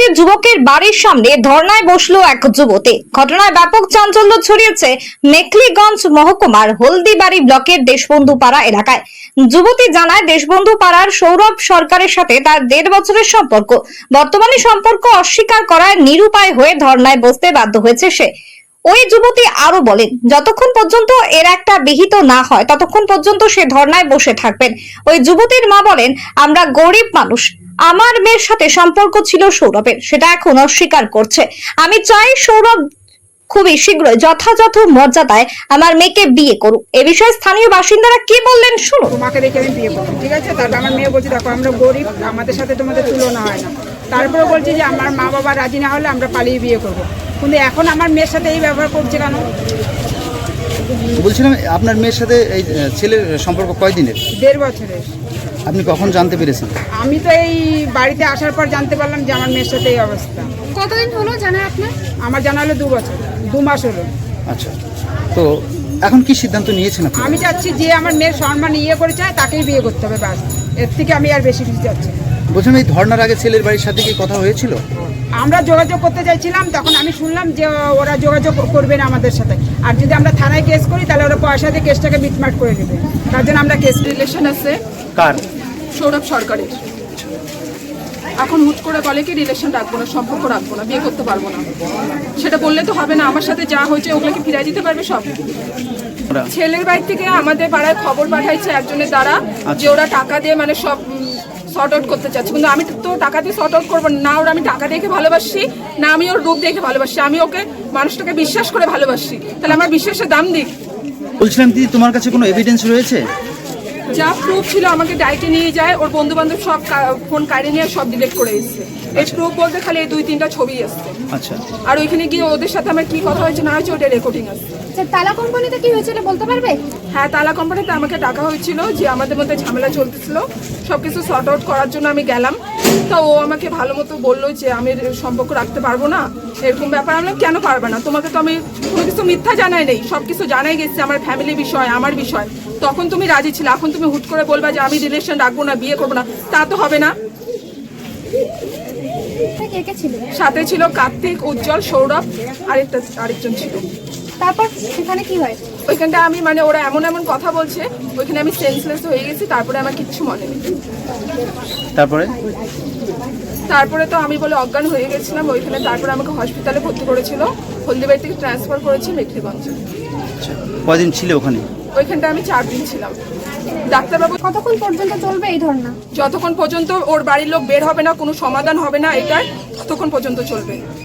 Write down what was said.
যুবকের বাড়ির সামনে ধর্নায় বসলো এক যুবতী। ঘটনায় ব্যাপক চাঞ্চল্য ছড়িয়েছে মেখলিগঞ্জ মহকুমার হলদিবাড়ি ব্লকের দেশবন্ধু পাড়া এলাকায়। যুবতী জানায়, দেশবন্ধু পাড়ার সৌরভ সরকারের সাথে তার 1.5 বছরের সম্পর্ক। বর্তমানে সম্পর্ক অস্বীকার করায় নিরুপায় হয়ে ধর্নায় বসতে বাধ্য হয়েছে সে। ওই যুবতী আরো বলেন, যতক্ষণ পর্যন্ত এর একটা বিহিত না হয় ততক্ষণ পর্যন্ত সে ধর্নায় বসে থাকবেন। ওই যুবতীর মা বলেন, আমরা গরিব মানুষ, আমার মেয়ের সাথে সম্পর্ক ছিল সৌরভের, সেটা এখন অস্বীকার করছে। আমি চাই সৌরভ খুবই শীঘ্রই যথাযথ মর্যাদায় আমার মেয়েকে বিয়ে করুক। এ বিষয়ে স্থানীয় বাসিন্দারা কি বললেন শুনুন। তোমাকে দেখে আমি বিয়ে করবো, ঠিক আছে? তারপর আমার মেয়ে বলছে, দেখো আমরা গরিব, আমাদের সাথে তোমাদের তুলনা হয় না। তারপরে বলছি যে আমার মা বাবা রাজি না হলে আমরা পালিয়ে বিয়ে করবো। কিন্তু এখন আমার মেয়ের সাথে এই ব্যবহার করছে কেন? বলছিলাম, আপনার মেয়ের সাথে এই ছেলের সম্পর্ক কয়দিনের? 1.5 বছরের। আপনি কখন জানতে পেরেছেন? আমি তো এই বাড়িতে আসার পর জানতে পারলাম যে আমার মেয়ের সাথে এই অবস্থা। কতদিন হলো জানা আপনার? আমার জানা হলো 2 বছর, 2 মাস হলো। আচ্ছা, তো এখন কি সিদ্ধান্ত নিয়েছেন আপনি? আমি চাচ্ছি যে আমার মেয়ের সম্মান ইয়ে করে চায় তাকেই বিয়ে করতে হবে, ব্যাস। এর থেকে আমি আর বেশি কিছু চাচ্ছি না। বলছিলাম, এই ধর্নার আগে ছেলের বাড়ির সাথে কি কথা হয়েছিল? আমরা যোগাযোগ করতে চাইছিলাম, তখন আমি শুনলাম যে ওরা যোগাযোগ করবে না আমাদের সাথে, আর যদি আমরা থানায় কেস করি তাহলে ওরা পয়সা দিয়ে কেসটাকে মিটমাট করে দেবে। তার জন্য আমরা কেস রিলেশন আছে কার? সৌরভ সরকারের। এখন হুট করে বলে কি রিলেশন রাখবো না, সম্পর্ক রাখবো না, বিয়ে করতে পারবো না। সেটা বললে তো হবে না। আমার সাথে যা হয়েছে ওগুলোকে ফিরিয়ে দিতে পারবে সব। ছেলের বাড়ি থেকে আমাদের পাড়ায় খবর পাঠাইছে একজনের দ্বারা যে ওরা টাকা দিয়ে মানে সব শর্ট আউট করতে চাচ্ছে। কিন্তু আমি তো টাকা দিয়ে শর্ট আউট করবো না। ওরা আমি টাকা দেখে ভালোবাসি না, আমি ওর রূপ দেখে ভালোবাসি। আমি ওকে মানুষটাকে বিশ্বাস করে ভালোবাসি, তাহলে আমার বিশ্বাসের দাম দিক। বলছিলাম, দিদি তোমার কাছে কোনো এভিডেন্স রয়েছে? যা প্রুফ ছিল আমাকে ডাইটে নিয়ে যায়, ওর বন্ধু বান্ধব সব ফোন কাড়ে নিয়ে সব ডিলিট করে এসছে। এই প্রুফ বলতে খালি এই 2-3টা ছবি আসছে। আচ্ছা, আর ওইখানে গিয়ে ওদের সাথে আমার কি কথা হয়েছে না হয়েছে ওটা রেকর্ডিং আছে। আচ্ছা, তালা কোম্পানিতে কি হয়েছিল বলতে পারবে? হ্যাঁ, তালা কোম্পানিতে আমাকে ডাকা হয়েছিল যে আমাদের মধ্যে ঝামেলা চলতেছিল, সবকিছু সর্ট আউট করার জন্য আমি গেলাম। তো ও আমাকে ভালো মতো বললো যে আমি সম্পর্ক রাখতে পারবো না, এরকম ব্যাপার। আমি কেন পারবে না? তোমাকে তো আমি কোনো কিছু মিথ্যা জানাই নেই, সব কিছু জানাই গেছে, আমার ফ্যামিলি বিষয়, আমার বিষয়। তখন তুমি রাজি ছিলে, এখন তুমি হুট করে বলবা যে আমি রিলেশন রাখবো না, বিয়ে করবো না, তা তো হবে না। কে কে ছিল? সাথে ছিল কার্তিক, উজ্জ্বল, সৌরভ, আরেকজন ছিল। তারপর সেখানে কি হয়? ওইখানটা আমি মানে ওরা এমন এমন কথা বলছে, ওইখানে আমি সেন্সলেস হয়ে গেছি। তারপরে আমার কিচ্ছু মনে নেই। তারপরে তো আমি বলে অজ্ঞান হয়ে গেছিলাম ওইখানে। তারপরে আমাকে হসপিটালে ভর্তি করেছিল, হলদিবাড়ি থেকে ট্রান্সফার করেছি মেখলিগঞ্জে। কয়দিন ছিল ওখানে? ওইখানটা আমি 4 দিন ছিলাম। ডাক্তারবাবু, কতক্ষণ পর্যন্ত চলবে এই ধর্না? যতক্ষণ পর্যন্ত ওর বাড়ির লোক বের হবে না, কোনো সমাধান হবে না এটার, ততক্ষণ পর্যন্ত চলবে।